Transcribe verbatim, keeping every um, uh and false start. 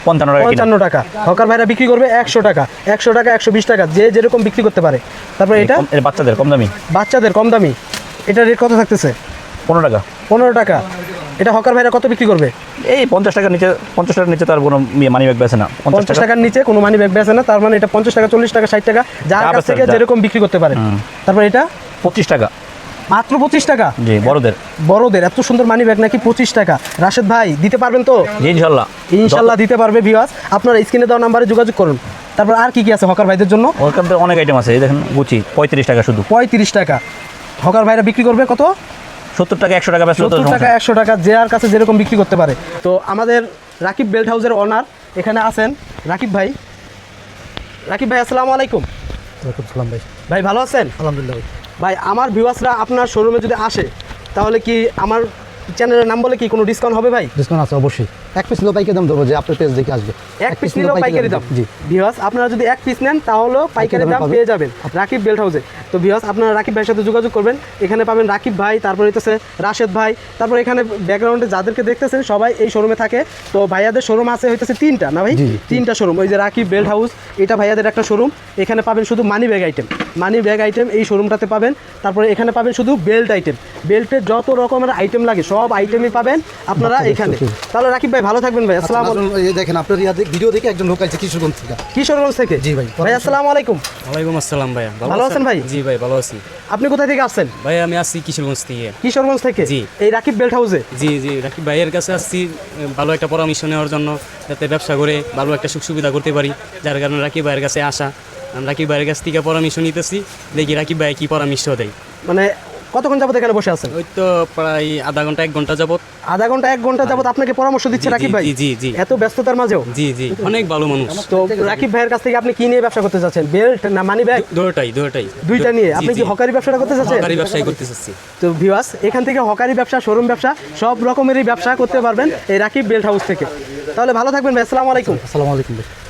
পঞ্চান্ন টাকা পঞ্চান্ন টাকা হকার ভাইরা বিক্রি করবে একশো টাকা, একশো টাকা, একশো বিশ টাকা, যে যেরকম বিক্রি করতে পারে। তারপর এটা এর বাচ্চাদের কম দামি বাচ্চাদের কম দামি, এটা রেট কত থাকতেছে? পনেরো টাকা। পনেরো টাকা। এটা হকার ভাইরা কত বিক্রি করবে? এই পঞ্চাশ টাকার নিচে, পঞ্চাশ টাকার নিচে তার কোনো মানি ব্যাগ বেছে না। পঞ্চাশ টাকার নিচে কোনো মানি ব্যাগ বেচে না, তার মানে এটা পঞ্চাশ টাকা, চল্লিশ টাকা, ষাট টাকা, যার কাছ থেকে যেরকম বিক্রি করতে পারে। তারপর এটা পঁচিশ টাকা, মাত্র পঁচিশ টাকা। জি বড়দের বড়দের এত সুন্দর মানি ব্যাগ নাকি পঁচিশ টাকা। রাশেদ ভাই দিতে পারবেন তো? জি ইনশাল্লাহ ইনশাল্লাহ দিতে পারবে। ভিউয়ার্স আপনারা স্ক্রিনে দেওয়া নাম্বারে যোগাযোগ করুন। তারপর আর কি কি আছে হকার ভাইদের জন্য? ওখান থেকে অনেক আইটেম আছে, এই দেখেন গুচি পঁয়ত্রিশ টাকা শুধু। পঁয়ত্রিশ টাকা হকার ভাইরা বিক্রি করবে কত? সত্তর টাকা, একশো টাকা, সত্তর টাকা, একশো টাকা, যে আর কাছে যেরকম বিক্রি করতে পারে। তো আমাদের রাকিব বেল্ট হাউসের ওনার এখানে আছেন রাকিব ভাই। রাকিব ভাই আসসালামু আলাইকুম। ওয়ালাইকুম সালাম ভাই। ভাই ভালো আছেন? আলহামদুলিল্লাহ ভাই। ভাই আমার ভিউয়ার্সরা আপনার শোরুমে যদি আসে তাহলে কি আমার চ্যানেলের নাম বলে কি কোনো ডিসকাউন্ট হবে ভাই? ডিসকাউন্ট আছে অবশ্যই। এক পিস নিলেও পাইকারি দাম দেবো, যে আপনার পেজ দেখে আসবে। এক পিস নিলেও পাইকারি দাম। জি ভিউয়ার্স আপনারা যদি এক পিস নেন তাহলেও পাইকারি দাম পেয়ে যাবেন রাকিব বেল্ট হাউসে। তো ভিউয়ার্স আপনারা রাকিব ভাইয়ের সাথে যোগাযোগ করবেন। এখানে পাবেন রাকিব ভাই, তারপর হইতেছে রাশেদ ভাই, তারপর এখানে ব্যাকগ্রাউন্ডে যাদেরকে দেখতেছেন সবাই এই শোরুমে থাকে। তো ভাইয়াদের শোরুম আছে হইতেছে তিনটা না ভাই? তিনটা শোরুম। ওই যে রাকিব বেল্ট হাউস, এটা ভাইয়াদের একটা শোরুম। এখানে পাবেন শুধু money bag item, money bag item এই শোরুমটাতে পাবেন। তারপরে এখানে পাবেন শুধু বেল্ট আইটেম, বেল্টের যত রকমের আইটেম লাগে সব আইটেমই পাবেন আপনারা এখানে। তাহলে রাকিব ভাই ভালো থাকবেন ভাই। আসসালামু আলাইকুম। এই দেখেন আপনার ভিডিও দেখে একজন লোক আছে কিশোরগঞ্জ থেকে। কিশোরগঞ্জ থেকে? জি ভাই। ভাই আসসালামু আলাইকুম। ওয়ালাইকুম আসসালাম ভাইয়া। ভালো আছেন ভাই? জি ভাই ভালো আছি। আপনি কোথা থেকে আসছেন? ভাই আমি আসছি কিশোরগঞ্জ থেকে। কিশোরগঞ্জ থেকে? জি। এই রাকিব বেল্ট হাউসে? জি জি রাকিব ভাইয়ের কাছে আসছি ভালো একটা পরামর্শ নেওয়ার জন্য, যাতে ব্যবসা করে ভালো একটা সুখ সুবিধা করতে পারি, যার কারণে রাকিব ভাইয়ের কাছে আসা। আমি রাকিব ভাইয়ের কাছ থেকে পরামর্শ নিতেছি, দেখি রাকিব ভাই কি পরামর্শ দেয়। মানে কতক্ষণ যাবত এখানে বসে আছেন? ওই তো প্রায় আধা ঘন্টা এক ঘন্টা যাবত। আধা ঘন্টা এক ঘন্টা যাবত আপনাকে পরামর্শ দিচ্ছে জি, রাকিব ভাই? জি জি জি এত ব্যস্ততার মাঝেও? জি জি অনেক ভালো মানুষ। তো রাকিব ভাইয়ের কাছ থেকে আপনি কি নিয়ে ব্যবসা করতে চাচ্ছেন? বেল্ট না মানি ব্যাগ? দুটোটাই দুটোটাই দুইটা নিয়ে জি, আপনি জি। কি হকারি ব্যবসাটা করতে চাচ্ছেন? সরকারি ব্যবসায় করতে চাচ্ছি। তো ভিউয়ার্স এখান থেকে হকারি ব্যবসা, শোরুম ব্যবসা সব রকমেরই ব্যবসা করতে পারবেন এই রাকিব বেল্ট হাউস থেকে। তাহলে ভালো থাকবেন ভাই। আসসালামু আলাইকুম। আসসালামু আলাইকুম ভাই।